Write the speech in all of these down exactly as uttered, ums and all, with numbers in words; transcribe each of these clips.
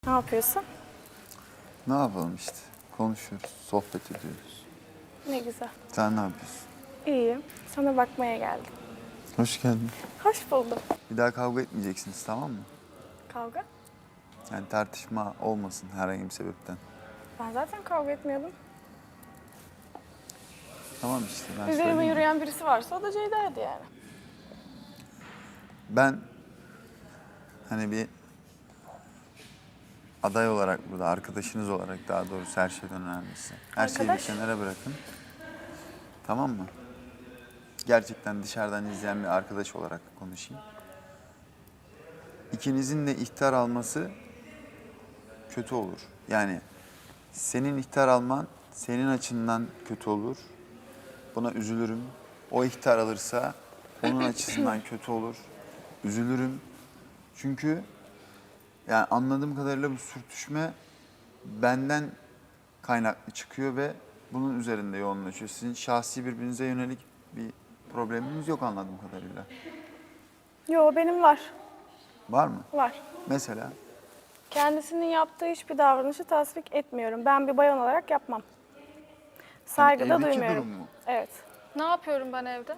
Ne yapıyorsun? Ne yapalım işte. Konuşuyoruz, sohbet ediyoruz. Ne güzel. Sen ne yapıyorsun? İyiyim. Sana bakmaya geldim. Hoş geldin. Hoş buldum. Bir daha kavga etmeyeceksiniz, tamam mı? Kavga? Yani tartışma olmasın herhangi bir sebepten. Ben zaten kavga etmiyordum. Tamam işte ben Üzerime söyleyeyim. yürüyen birisi varsa o da Ceyda'ydı yani. Ben hani bir aday olarak burada, arkadaşınız olarak daha doğrusu her şeyden önemlisi. Her şeyi bir Arkadaş? kenara bırakın. Tamam mı? Gerçekten dışarıdan izleyen bir arkadaş olarak konuşayım. İkinizin de ihtar alması kötü olur. Yani senin ihtar alman senin açından kötü olur. Buna üzülürüm. O ihtar alırsa onun açısından kötü olur. Üzülürüm. Çünkü yani anladığım kadarıyla bu sürtüşme benden kaynaklı çıkıyor ve bunun üzerinde yoğunlaşıyor. Sizin şahsi birbirinize yönelik bir probleminiz yok anladığım kadarıyla. Yo, benim var. Var mı? Var. Mesela Kendisinin yaptığı hiçbir davranışı tasvip etmiyorum. Ben bir bayan olarak yapmam. Saygı da evdeki duymuyorum. durum mu? Evet. Ne yapıyorum ben evde?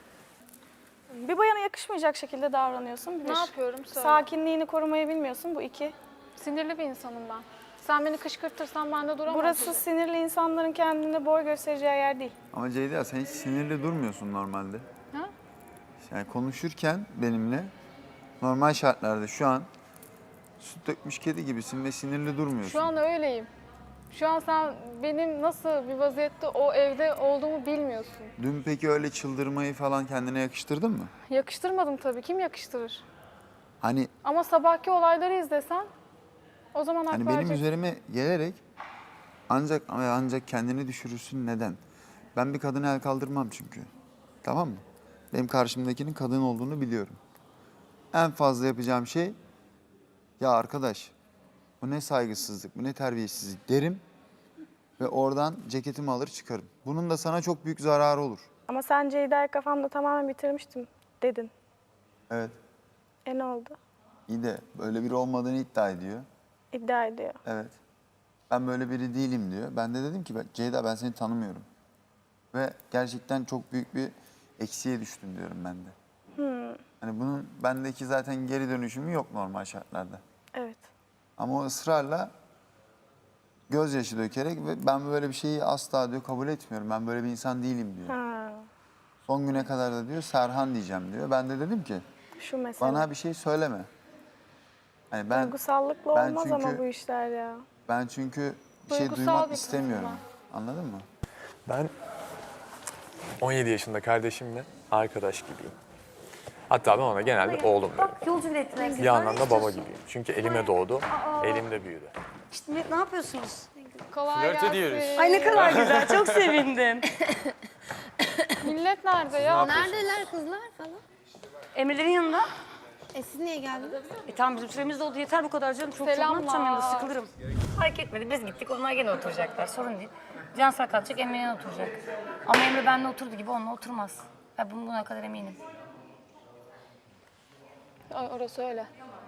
Bir bayana yakışmayacak şekilde davranıyorsun. Bir. Ne yapıyorum söyle. Sakinliğini korumayı bilmiyorsun. Bu iki. Sinirli bir insanım ben. Sen beni kışkırtırsan ben de duramam. Burası tabii. sinirli insanların kendine boy göstereceği yer değil. Ama Ceyda sen hiç sinirli durmuyorsun normalde. Ha? Yani konuşurken benimle normal şartlarda şu an süt dökmüş kedi gibisin ve sinirli durmuyorsun. Şu an öyleyim. Şu an sen benim nasıl bir vaziyette o evde olduğumu bilmiyorsun. Dün peki öyle çıldırmayı falan kendine yakıştırdın mı? Yakıştırmadım tabii. Kim yakıştırır? Hani Ama sabahki olayları izlesen o zaman hak hani benim vereceksin. üzerime gelerek ancak ama ancak kendini düşürürsün neden? Ben bir kadına el kaldırmam çünkü. Tamam mı? Benim karşımdakinin kadın olduğunu biliyorum. En fazla yapacağım şey ya arkadaş bu ne saygısızlık, bu ne terbiyesizlik derim ve oradan ceketimi alır çıkarım. Bunun da sana çok büyük zararı olur. Ama sen Ceyda'yı kafamda tamamen bitirmiştim dedin. Evet. E ne oldu? İyi de böyle biri olmadığını iddia ediyor. İddia ediyor. Evet. Ben böyle biri değilim diyor. Ben de dedim ki "Ben- Ceyda ben seni tanımıyorum. Ve gerçekten çok büyük bir eksiğe düştüm diyorum ben de. Hani bunun bendeki zaten geri dönüşümü yok normal şartlarda. Evet. Ama o ısrarla gözyaşı dökerek ve ben böyle bir şeyi asla diyor kabul etmiyorum. Ben böyle bir insan değilim diyor. Ha, Son güne kadar da diyor Serhan diyeceğim diyor. Ben de dedim ki şu mesele. bana bir şey söyleme. Hani ben Duygusallıkla ben olmaz ama çünkü- bu işler ya. ben çünkü bir şey Duygusal duymak bir kızım istemiyorum. Anladın mı? Ben on yedi yaşında kardeşimle arkadaş gibiyim. Hatta ben ona genelde oğlum derim. Bak yolcu biletine Bir yandan da baba gibiyim. Çünkü elime doğdu, elimde büyüdü. İşte ne, ne yapıyorsunuz? Kolay Flört gelsin. ediyoruz. Ay ne kadar güzel, çok sevindim. Millet nerede ya? Neredeler kızlar falan? Emre'lerin yanında. E siz niye geldiniz? E tamam bizim süremiz de oldu yeter bu kadar canım. Çok çok ne Selamlar. yapacağım yanında sıkılırım. Fark etmedi biz gittik onlar gene oturacaklar sorun değil. Cansel kalkacak Emre yanına oturacak. Ama Emre benimle oturdu gibi onunla oturmaz. Ben bunun buna kadar eminim. Ay orası öyle.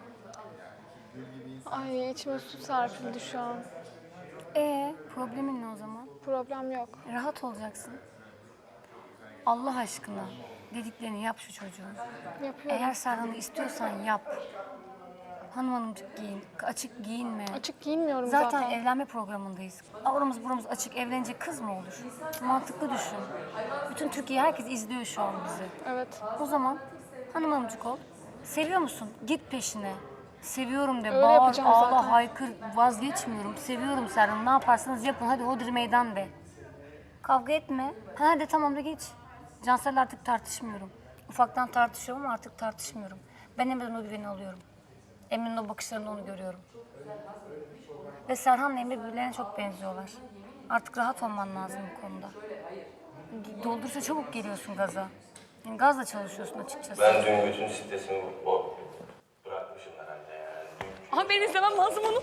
Ay içime su serpildi şu an. Ee problemin ne o zaman? Problem yok. Rahat olacaksın. Allah aşkına dediklerini yap şu çocuğun. Yapıyorum. Eğer Serhan'ı istiyorsan yap. Hanım hanımcık giyin, açık giyinme. Açık giyinmiyorum Zaten, zaten. evlenme programındayız. Avramız buramız açık evlenecek kız mı olur? Mantıklı düşün. Bütün Türkiye herkes izliyor şu an bizi. Evet. O zaman hanım hanımcık ol. Seviyor musun? Git peşine. Seviyorum de. Öyle Bağır, yapacağım ağla, zaten. haykır. Vazgeçmiyorum. Seviyorum Serhan. Ne yaparsanız yapın. Hadi hodri meydan de. Kavga etme. Ha de tamam da geç. Cansel'le artık tartışmıyorum. Ufaktan tartışıyorum ama artık tartışmıyorum. Ben Emre'den o güveni alıyorum. Emre'nin o bakışlarında onu görüyorum. Ve Serhan'la Emre birbirlerine çok benziyorlar. Artık rahat olman lazım bu konuda. Doldursa çabuk geliyorsun gaza. Yani gazla çalışıyorsun açıkçası. Ben dün bütün stresimi bu bırakmışım herhalde yani. Dün Ama benim izlemem lazım onu.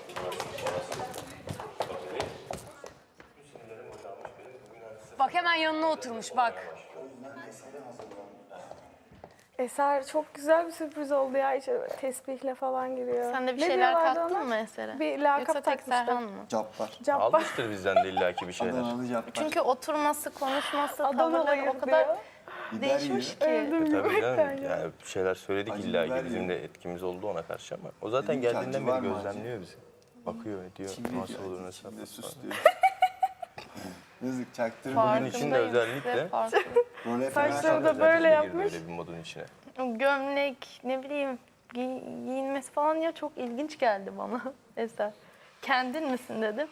Bak hemen yanına oturmuş bak. Eser çok güzel bir sürpriz oldu ya. İşte böyle tesbihle falan giriyor. Sen de bir Ne şeyler diyorlardı kattın ona? mı Eser'e? Bir lakap Yoksa tek takmışlar. Serhan mı? Cabbar. Cabbar. Almıştır bizden de illaki bir şeyler. Adanalı cabbar. Çünkü oturması, konuşması, tavırları Adanalıyım o kadar diyor. Biber değişmiş yiyor. ki. Öldüm Tabii yemekten canım. ya. Yani bir şeyler söyledik Acı illaki biber bizim yiyor. de etkimiz oldu ona karşı ama o zaten Dedim ki, geldiğinden acı var beri mı acı? gözlemliyor bizi. Bakıyor ediyor. Şimdi Nasıl diyor, olur acı nasıl içinde yapar sus falan. diyor. Yazık çaktırma. Bugün için de Farkındayım, özellikle- size farklı. Role Saçları fena da kaldı. böyle Özellikle girdi yapmış. Öyle bir modun içine. O gömlek, ne bileyim giy- giyinmesi falan ya çok ilginç geldi bana Eser. Kendin misin dedim.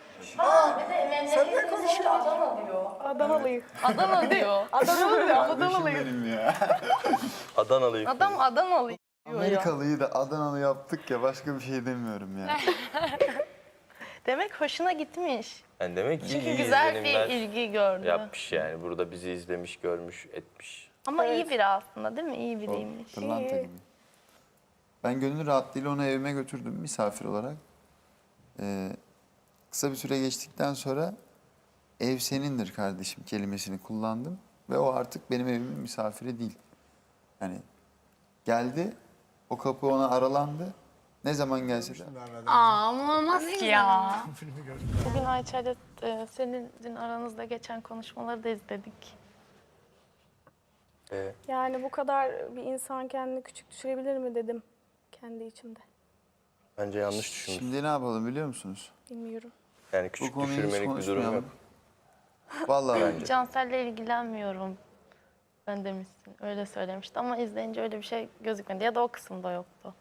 Adanalıyım. Adana diyor. Adanalı diyor. Kardeşim Adanalıyım. benim ya. Adanalıyım. Adam Adanalı diyor ya. Amerikalıyı da Adanalı yaptık ya başka bir şey demiyorum ya. Demek hoşuna gitmiş. Yani demek ki Çünkü iyi güzel izlenimler bir ilgi gördü. yapmış yani. Burada bizi izlemiş, görmüş, etmiş. Ama iyi biri aslında değil mi? İyi biriymiş. Pırlanta gibi. Ben gönül rahatlığıyla onu evime götürdüm misafir olarak. Ee, kısa bir süre geçtikten sonra ev senindir kardeşim kelimesini kullandım. Ve o artık benim evimin misafiri değil. Yani geldi, o kapı ona aralandı. Ne zaman gelse de. Aa ama olmaz ki ya. Bugün Ayça'yla e, senin dün aranızda geçen konuşmaları da izledik. Ee, Yani bu kadar bir insan kendini küçük düşürebilir mi dedim kendi içimde. bence yanlış düşünmüş. Şimdi ne yapalım biliyor musunuz? Bilmiyorum. Yani Bu küçük konuyu hiç düşürmelik bir durum konuşmayalım. yok. Vallahi bence. Cansel'le ilgilenmiyorum ben demişsin. Öyle söylemişti ama izleyince öyle bir şey gözükmedi. Ya da o kısımda yoktu.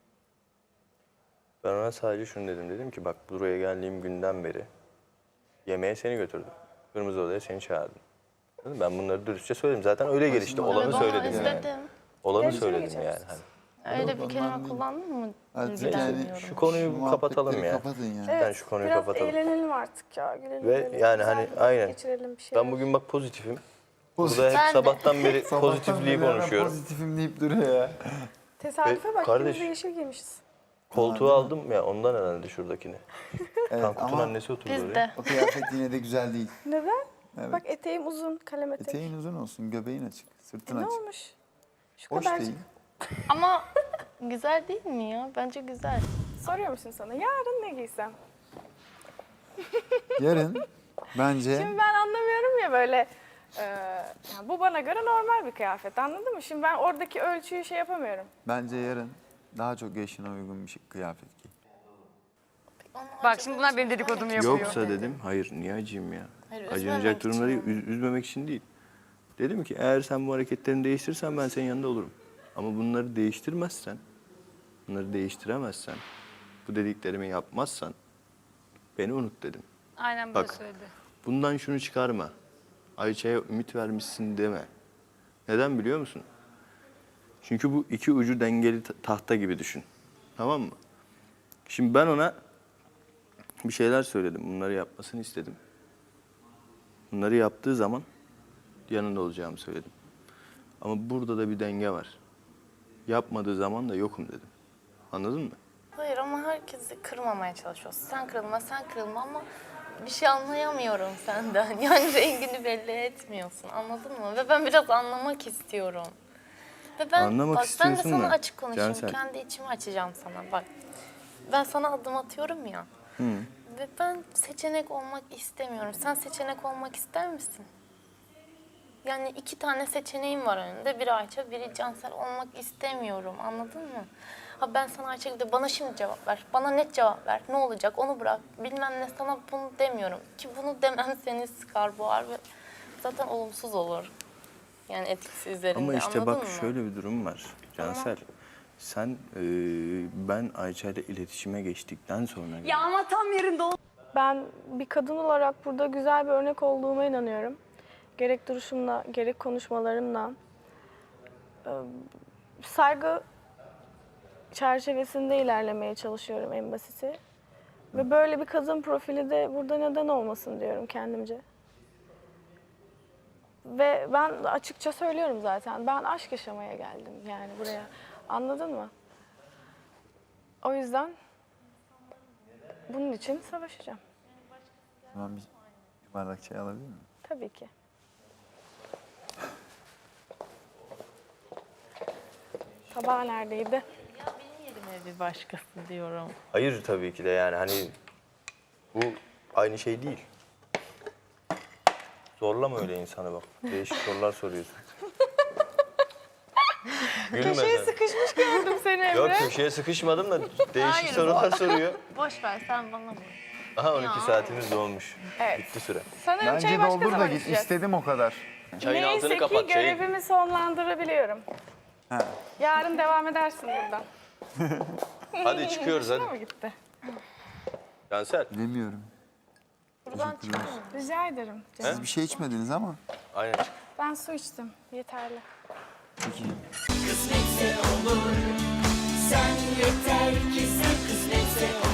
Ben ona sadece şunu dedim. Dedim ki bak buraya geldiğim günden beri yemeğe seni götürdüm. Kırmızı Oda'ya seni çağırdım. Dedim, ben bunları dürüstçe söyledim. Zaten öyle gelişti. Olanı Evet, onu söyledim yani. izledim. Olanı Dereceli söyledim geçeriz. yani. Hani. Öyle Yok, bir ondan kelime değil. kullandın mı? Artık İlgilenmiyorum. yani Şu konuyu Şu kapatalım muhabbetleri ya. Kapatın ya. Evet, Ben şu konuyu biraz kapatalım. eğlenelim artık ya. Gülelim, Ve gülelim. yani Güzel hani bir vakit aynen. Geçirelim bir şeyler. Ben bugün bak pozitifim. Pozitif. Burada hep Ben de. sabahtan beri Sabahtan pozitifliği beri hemen konuşuyorum. Pozitifim deyip duruyor ya. Tesadüfe Ve bak, kardeş- ikimiz de yeşil giymişiz. Koltuğu aldım ya ondan herhalde şuradakini. Evet, Tankut'un ama annesi oturdu Biz oraya. de. o kıyafet yine de güzel değil. Neden? Evet. Bak eteğim uzun, kalem etek. Eteğin uzun olsun, göbeğin açık, sırtın E, ne açık. olmuş? Şu Hoş kadarcık. değil. Ama güzel değil mi ya? Bence güzel. Soruyor musun sana? Yarın ne giysem? Yarın bence Şimdi ben anlamıyorum ya böyle. e, yani bu bana göre normal bir kıyafet, anladın mı? Şimdi ben oradaki ölçüyü şey yapamıyorum. bence yarın daha çok yaşına uygun bir şey, kıyafet giy. Bak şimdi bunlar benim dedikodumu yapıyor. Yoksa dedim hayır niye acıyım ya? Hayır, üzmemek Acınacak için durumları yani. üz- üzmemek için değil. Dedim ki eğer sen bu hareketlerini değiştirirsen ben senin yanında olurum. Ama bunları değiştirmezsen, bunları değiştiremezsen, bu dediklerimi yapmazsan beni unut dedim. Aynen böyle Bak. söyledi. Bundan şunu çıkarma. Ayça'ya ümit vermişsin deme. Neden biliyor musun? Çünkü bu iki ucu dengeli ta- tahta gibi düşün. Tamam mı? Şimdi ben ona bir şeyler söyledim. Bunları yapmasını istedim. Bunları yaptığı zaman yanında olacağımı söyledim. Ama burada da bir denge var. Yapmadığı zaman da yokum dedim. Anladın mı? Hayır ama herkesi kırmamaya çalışıyorsun. Sen kırılma, sen kırılma ama bir şey anlayamıyorum senden. Yani rengini belli etmiyorsun. Anladın mı? Ve ben biraz anlamak istiyorum. Ve ben, Anlamak bak, ben de istiyorsun sana da, açık konuşayım. Cansel. Kendi içimi açacağım sana. Bak ben sana adım atıyorum ya. Ve ben seçenek olmak istemiyorum. Sen seçenek olmak ister misin? Yani iki tane seçeneğim var önünde. Biri Ayça, biri Cansel olmak istemiyorum. Anladın mı? Ha ben sana Ayça gibi de bana şimdi cevap ver. Bana net cevap ver. Ne olacak onu bırak. Bilmem ne sana bunu demiyorum. Ki bunu demem seni sıkar boğar ve zaten olumsuz olur. Yani etkisi üzerinde. Ama işte anladın bak mı? şöyle bir durum var Cansel. Sen e, ben Ayça ile iletişime geçtikten sonra Ya ama tam yerinde ol. Ben bir kadın olarak burada güzel bir örnek olduğuma inanıyorum. Gerek duruşumla, gerek konuşmalarımla. Ee, Saygı çerçevesinde ilerlemeye çalışıyorum en basiti. Ve böyle bir kadın profili de burada neden olmasın diyorum kendimce. Ve ben açıkça söylüyorum zaten. Ben aşk yaşamaya geldim yani buraya. Anladın mı? O yüzden bunun için savaşacağım. Tamam bir bardak çay alabilir miyim? Tabii ki. Tabağı neredeydi? Ya benim yerime bir başkası diyorum. Hayır tabii ki de yani hani bu aynı şey değil. Zorlama öyle insanı bak. Değişik sorular soruyorsun. Gülme Köşeye sen. sıkışmış gördüm seni Emre. Yok köşeye sıkışmadım da değişik Hayır, sorular soruyor. Boş ver sen bana bak. Aha on iki saatimiz dolmuş. Evet. Bitti süre. Sanırım Bence çayı başka doldur da zaman git. içeceğiz. İstedim o kadar. Çayın altını Neyse ki kapat. Çayın. görevimi sonlandırabiliyorum. Ha. Yarın devam edersin buradan. Hadi çıkıyoruz Hoşuna mı hadi. gitti? Cansel. Bilemiyorum. Buradan çıkıyor musun? Rica ederim. Siz bir şey içmediniz ama. Aynen çık. Ben su içtim. Yeterli. Peki. Kısmetse olur. Sen yeter ki sen kısmetse olur.